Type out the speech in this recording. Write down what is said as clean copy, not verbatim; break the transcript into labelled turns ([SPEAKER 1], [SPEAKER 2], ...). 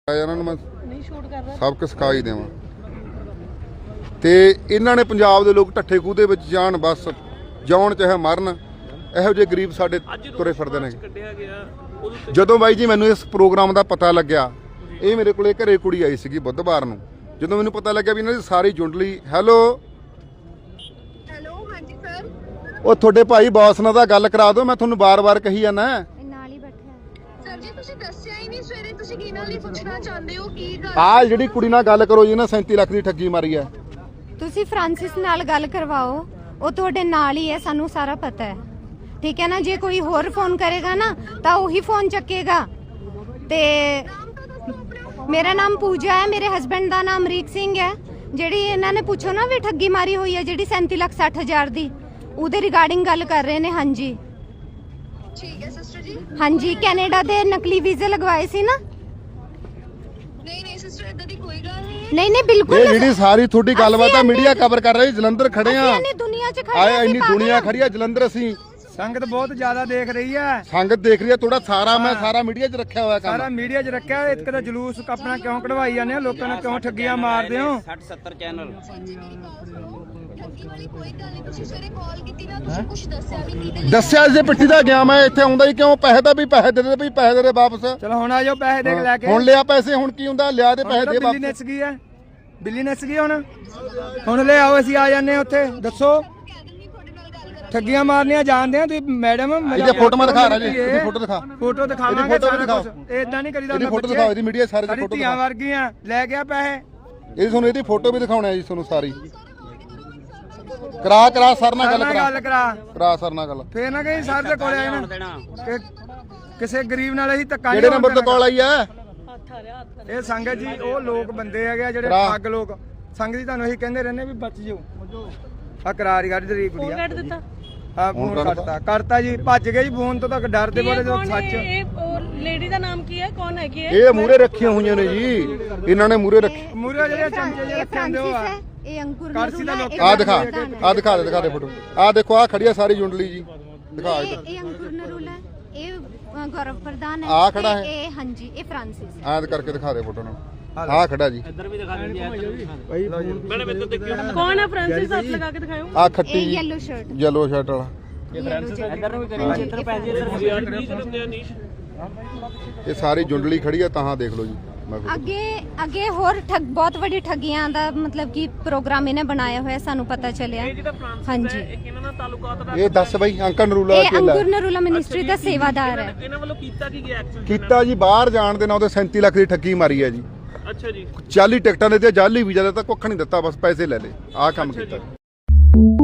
[SPEAKER 1] ਇਹਨਾਂ ਨੂੰ ਮੈਂ ਸਭ ਕੁਝ ਸਿਖਾ ਹੀ ਦੇਵਾਂ ਤੇ ਇਹਨਾਂ ਨੇ ਪੰਜਾਬ ਦੇ ਲੋਕ ਢੱਠੇ ਖੂਹ ਦੇ ਵਿੱਚ ਜਾਣ, ਬਸ ਜਾਉਣ ਚਾਹੇ ਮਰਨ, ਇਹੋ ਜਿਹੇ ਗਰੀਬ ਸਾਡੇ ਤੁਰੇ ਫਿਰਦੇ ਨੇ। ਜਦੋਂ ਬਾਈ ਜੀ ਮੈਨੂੰ ਇਸ ਪ੍ਰੋਗਰਾਮ ਦਾ ਪਤਾ ਲੱਗਿਆ, ਇਹ ਮੇਰੇ ਕੋਲੇ ਘਰੇ ਕੁੜੀ ਆਈ ਸੀਗੀ ਬੁੱਧਵਾਰ ਨੂੰ, ਜਦੋਂ ਮੈਨੂੰ ਪਤਾ ਲੱਗਿਆ ਵੀ ਇਹਨਾਂ ਦੀ ਸਾਰੀ ਜੁੰਡਲੀ ਹੈਲੋ
[SPEAKER 2] ਹਾਂਜੀ ਸਰ,
[SPEAKER 1] ਉਹ ਤੁਹਾਡੇ ਭਾਈ ਬੌਸ ਨਾਲ ਤਾਂ ਗੱਲ ਕਰਾ ਦਿਓ, ਮੈਂ ਤੁਹਾਨੂੰ ਬਾਰ-ਬਾਰ ਕਹੀ ਜਾਂਦਾ
[SPEAKER 2] ਨਾਲ ਹੀ ਬੈਠਾ ਸਰ ਜੀ। ਤੁਸੀਂ ਦੱਸਿਆ ਹੀ ਨਹੀਂ ਸਵੇਰੇ, ਤੁਸੀਂ ਕੀ ਨਾਲ ਹੀ ਪੁੱਛਣਾ ਚਾਹੁੰਦੇ ਹੋ ਕੀ ਗੱਲ?
[SPEAKER 1] ਆਹ ਜਿਹੜੀ ਕੁੜੀ ਨਾਲ ਗੱਲ ਕਰੋ ਜੀ ਨਾ, 37 ਲੱਖ ਦੀ ਠੱਗੀ ਮਾਰੀ ਹੈ।
[SPEAKER 3] ਤੁਸੀਂ ਫ੍ਰਾਂਸਿਸ ਨਾਲ ਗੱਲ ਕਰਵਾਓ, ਉਹ ਤੁਹਾਡੇ ਨਾਲ ਹੀ ਹੈ, ਸਾਨੂੰ ਸਾਰਾ ਪਤਾ ਹੈ, ਠੀਕ ਹੈ ਨਾ। ਜੇ ਕੋਈ ਹੋਰ ਫੋਨ ਕਰੇਗਾ ਨਾ ਤਾਂ ਉਹੀ ਫੋਨ ਚੱਕੇਗਾ। ਤੇ ਮੇਰਾ ਨਾਮ ਪੂਜਾ ਹੈ, ਮੇਰੇ ਹਸਬੈਂਡ ਦਾ ਨਾਮ ਅਮਰੀਕ ਸਿੰਘ ਹੈ। ਜਿਹੜੀ ਇਹਨਾਂ ਨੇ ਪੁੱਛੋ ਨਾ ਵੀ ਠੱਗੀ ਮਾਰੀ ਹੋਈ ਹੈ ਜਿਹੜੀ 37,60,000 ਦੀ, ਉਹਦੇ ਰਿਗਾਰਡਿੰਗ ਗੱਲ ਕਰ ਰਹੇ ਨੇ। ਹਾਂਜੀ
[SPEAKER 2] ਠੀਕ ਹੈ ਸਿਸਟਰ ਜੀ।
[SPEAKER 3] ਹਾਂਜੀ, ਕੈਨੇਡਾ ਦੇ ਨਕਲੀ ਵੀਜ਼ੇ ਲਗਵਾਏ ਸੀ ਨਾ?
[SPEAKER 2] ਨਹੀਂ ਸਿਸਟਰ, ਇਦਾਂ ਦੀ ਕੋਈ ਗੱਲ ਨਹੀਂ।
[SPEAKER 3] ਨਹੀਂ ਬਿਲਕੁਲ।
[SPEAKER 1] ਇਹ ਜਿਹੜੀ ਸਾਰੀ ਤੁਹਾਡੀ ਗੱਲਬਾਤ ਆ ਮੀਡੀਆ ਕਵਰ ਕਰ ਰਹੀ, ਜਲੰਧਰ ਖੜੇ ਆ,
[SPEAKER 3] ਇੰਨੀ ਦੁਨੀਆ 'ਚ ਖੜੇ
[SPEAKER 1] ਆਏ ਇੰਨੀ ਦੁਨੀਆ ਖੜੀ ਆ ਜਲੰਧਰ। ਅਸੀਂ
[SPEAKER 4] ਸੰਗਤ ਬਹੁਤ ਜ਼ਿਆਦਾ ਦੇਖ ਰਹੀ ਹੈ,
[SPEAKER 1] ਸੰਗਤ ਦੇਖ ਰਹੀ ਹੈ, ਥੋੜਾ ਸਾਰਾ ਮੈਂ ਸਾਰਾ ਮੀਡੀਆ 'ਚ ਰੱਖਿਆ ਹੋਇਆ
[SPEAKER 4] ਸਾਰਾ
[SPEAKER 1] ਕੰਮ।
[SPEAKER 4] ਮੀਡੀਆ 'ਚ ਰੱਖਿਆ। ਇੱਕ ਤਾਂ ਜਲੂਸ ਆਪਣਾ ਕਿਉਂ ਕਢਵਾਈ ਜਾਂਦੇ ਹੋ, ਲੋਕਾਂ ਨੂੰ ਕਿਉਂ ਠੱਗੀਆਂ ਮਾਰਦੇ ਹੋ?
[SPEAKER 5] 60-70 ਚੈਨਲ
[SPEAKER 2] ਠੱਗੀ ਵਾਲੀ ਕੋਈ ਗੱਲ ਨਹੀਂ। ਤੁਸੀਂ ਸਵੇਰੇ ਕਾਲ ਕੀਤੀ ਨਾ, ਤੁਸੀਂ ਕੁਝ ਦੱਸਿਆ ਵੀ ਨਹੀਂ।
[SPEAKER 1] ਦੱਸਿਆ ਜੇ ਪਿੱਠੀ ਦਾ ਗਿਆ, ਮੈਂ ਇੱਥੇ ਆਉਂਦਾ ਹੀ ਕਿਉਂ? ਪੈਸੇ ਦਾ ਵੀ ਪੈਸੇ ਦੇ ਦੇ, ਵੀ ਪੈਸੇ ਦੇ ਦੇ ਵਾਪਸ।
[SPEAKER 4] ਚਲੋ ਹੁਣ ਆ ਜਾਓ, ਪੈਸੇ ਦੇ ਕੇ ਲੈ ਕੇ।
[SPEAKER 1] ਹੁਣ ਲਿਆ ਪੈਸੇ, ਹੁਣ ਕੀ ਹੁੰਦਾ? ਲਿਆ ਦੇ ਪੈਸੇ ਦੇ
[SPEAKER 4] ਬਿੱਲੀ
[SPEAKER 1] ਵਾਪਸ।
[SPEAKER 4] ਨੱਸ ਗਈ ਹੈ, ਬਿੱਲੀ ਨੱਸ ਗਈ। ਹੁਣ ਲੈ ਆਓ, ਅਸੀਂ ਆ ਜਾਂਦੇ ਉੱਥੇ। ਦੱਸੋ ਠੱਗੀਆਂ ਮਾਰਨੀਆਂ ਜਾਣਦੇ ਆ ਤੁਸੀਂ ਮੈਡਮ?
[SPEAKER 1] ਇਹਦੀ ਫੋਟੋਆਂ ਦਿਖਾ ਰਿਹਾ ਜੀ, ਇਹਦੀ ਫੋਟੋ ਦਿਖਾ।
[SPEAKER 4] ਫੋਟੋ ਦਿਖਾਵਾਂਗੇ,
[SPEAKER 1] ਇਹਦੀ ਫੋਟੋ ਦਿਖਾਓ।
[SPEAKER 4] ਇਦਾਂ ਨਹੀਂ ਕਰੀਦਾ।
[SPEAKER 1] ਇਹਦੀ ਫੋਟੋ ਦਿਖਾਓ, ਇਹਦੀ ਮੀਡੀਆ ਸਾਰੇ ਦੀ
[SPEAKER 4] ਸਾਡੀ
[SPEAKER 1] ਫੋਟੋ
[SPEAKER 4] ਧੀਆਂ
[SPEAKER 1] ਦਿਖਾਓ।
[SPEAKER 4] ਵਰਗੀਆਂ ਲੈ ਗਿਆ ਪੈਸੇ।
[SPEAKER 1] ਇਹ ਤੁਹਾਨੂੰ ਇਹਦੀ ਫੋਟੋ ਵੀ ਦਿਖਾਉਣਾ ਹੈ ਜੀ ਤੁਹਾਨੂੰ ਸਾਰੀ। ਕਰਾ ਸਰ ਨਾਲ ਗੱਲ ਕਰਾ ਸਰ ਨਾਲ ਗੱਲ।
[SPEAKER 4] ਫੇਰ ਨਾ ਕਹੀਂ ਸਰ ਦੇ ਕੋਲੇ ਆਏ ਨਾ ਕਿ ਕਿਸੇ ਗਰੀਬ ਨਾਲ ਅਸੀਂ ਧੱਕਾ।
[SPEAKER 1] ਕਿਹੜੇ ਨੰਬਰ ਤੋਂ ਕਾਲ ਆਈ ਹੈ?
[SPEAKER 4] ਇਹ ਸੰਗਤ ਜੀ ਉਹ ਲੋਕ ਬੰਦੇ ਹੈਗੇ ਜਿਹੜੇ ਠੱਗ ਲੋਕ। ਸੰਗਤ ਜੀ ਤੁਹਾਨੂੰ ਅਸੀਂ ਕਹਿੰਦੇ ਰਹਿੰਦੇ ਵੀ ਬਚ ਜਾਓ। ਆ ਕਰਾਰੀ ਕੱਢ ਦੇ ਕੁੜੀਆ।
[SPEAKER 6] ਕੱਢ ਦਿੱਤਾ।
[SPEAKER 4] ਆ ਫੋਨ ਕਰਤਾ ਜੀ, ਭੱਜ ਗਏ ਜੀ ਫੋਨ ਤੋਂ। ਤੱਕ ਡਰਦੇ ਬੋਲੇ ਜੋ ਸੱਚ।
[SPEAKER 6] ਇਹ ਲੇਡੀ ਦਾ ਨਾਮ ਕੀ ਹੈ? ਕੌਣ ਹੈ ਕੀ ਹੈ?
[SPEAKER 1] ਇਹ ਮੂਰੇ ਰੱਖੀਆਂ ਹੋਈਆਂ ਨੇ ਜੀ, ਇਹਨਾਂ ਨੇ ਮੂਰੇ ਰੱਖੀ।
[SPEAKER 4] ਮੂਰੇ ਜਿਹੜੇ ਚਮਚੇ ਜਿਹੇ ਰੱਖੇ ਹੁੰਦੇ ਉਹ ਆ।
[SPEAKER 3] ਇਹ ਅੰਕੁਰ
[SPEAKER 4] ਕਰਸੀ ਦਾ ਲੋਕ।
[SPEAKER 1] ਆ ਦਿਖਾ ਦੇ ਫੋਟੋ। ਆ ਦੇਖੋ, ਆ ਖੜੀ ਆ ਸਾਰੀ ਜੁੰਡਲੀ ਜੀ, ਦਿਖਾ ਇੱਧਰ।
[SPEAKER 3] ਇਹ ਅੰਕੁਰ ਨਰੂਲਾ, ਇਹ ਗੌਰਵ ਪ੍ਰਧਾਨ ਹੈ।
[SPEAKER 1] ਆ ਖੜਾ ਹੈ।
[SPEAKER 3] ਇਹ ਹਾਂਜੀ, ਇਹ ਫ੍ਰਾਂਸਿਸ।
[SPEAKER 1] ਆਦ ਕਰਕੇ ਦਿਖਾ ਦੇ ਫੋਟੋ ਨਾਲ। ਆ ਖੜਾ ਜੀ,
[SPEAKER 6] ਇੱਧਰ ਵੀ ਦਿਖਾ ਦਿੰਦੀ ਹੈ। ਮੈਡਮ ਇੱਧਰ ਦੇਖਿਓ, ਕੌਣ ਹੈ ਫ੍ਰਾਂਸਿਸ? ਹੱਥ ਲਗਾ ਕੇ ਦਿਖਾਓ।
[SPEAKER 1] ਆ ਖੱਟੀ
[SPEAKER 3] ਇਹ
[SPEAKER 1] ਜੀ,
[SPEAKER 3] ਯੈਲੋ ਸ਼ਰਟ
[SPEAKER 1] ਯੈਲੋ ਸ਼ਰਟ ਵਾਲਾ।
[SPEAKER 6] ਇੱਧਰ ਨੂੰ ਵੀ ਕਰੀ, ਇੱਧਰ ਪੈ ਜੀ, ਇੱਧਰ ਨੀਸ਼।
[SPEAKER 1] ਇਹ ਸਾਰੀ ਜੁੰਡਲੀ ਖੜੀ ਆ, ਤਾਂ ਦੇਖ ਲਓ ਜੀ।
[SPEAKER 3] ਅੱਗੇ ਹੋਰ ਬਹੁਤ ਵੱਡੀ ਠੱਗੀਆਂ ਦਾ ਮਤਲਬ ਕਿ ਪ੍ਰੋਗਰਾਮ ਇਹਨੇ ਬਣਾਇਆ ਹੋਇਆ, ਸਾਨੂੰ ਪਤਾ ਚੱਲਿਆ। ਹਾਂਜੀ,
[SPEAKER 6] ਇਹਨਾਂ ਨਾਲ ਤਾਲੁਕਾਤ ਦਾ
[SPEAKER 1] ਇਹ ਦੱਸ ਬਈ। ਅੰਕਲ ਨਰੂਲਾ
[SPEAKER 3] ਇਹ ਅੰਕੁਰ ਨਰੂਲਾ ਮਿਨਿਸਟਰੀ ਦਾ ਸੇਵਾਦਾਰ ਹੈ।
[SPEAKER 6] ਇਹਨਾਂ ਵੱਲੋਂ ਕੀਤਾ ਕੀ ਗਿਆ ਐਕਸ਼ਨ?
[SPEAKER 1] ਕੀਤਾ ਜੀ, ਬਾਹਰ ਜਾਣ ਦੇ ਨਾਂ ਤੇ 37 ਲੱਖ ਦੀ ਠੱਗੀ ਮਾਰੀ ਹੈ ਜੀ।
[SPEAKER 6] ਅੱਛਾ ਜੀ।
[SPEAKER 1] 40 ਟਿਕਟਾਂ ਦੇ ਤੇ ਜਾਲੀ ਵੀਜ਼ਾ ਦਾ ਤਾਂ ਕੁੱਖ ਨਹੀਂ ਦਿੱਤਾ, ਬਸ ਪੈਸੇ ਲੈ ਲਏ। ਆਹ ਕੰਮ ਕੀਤਾ।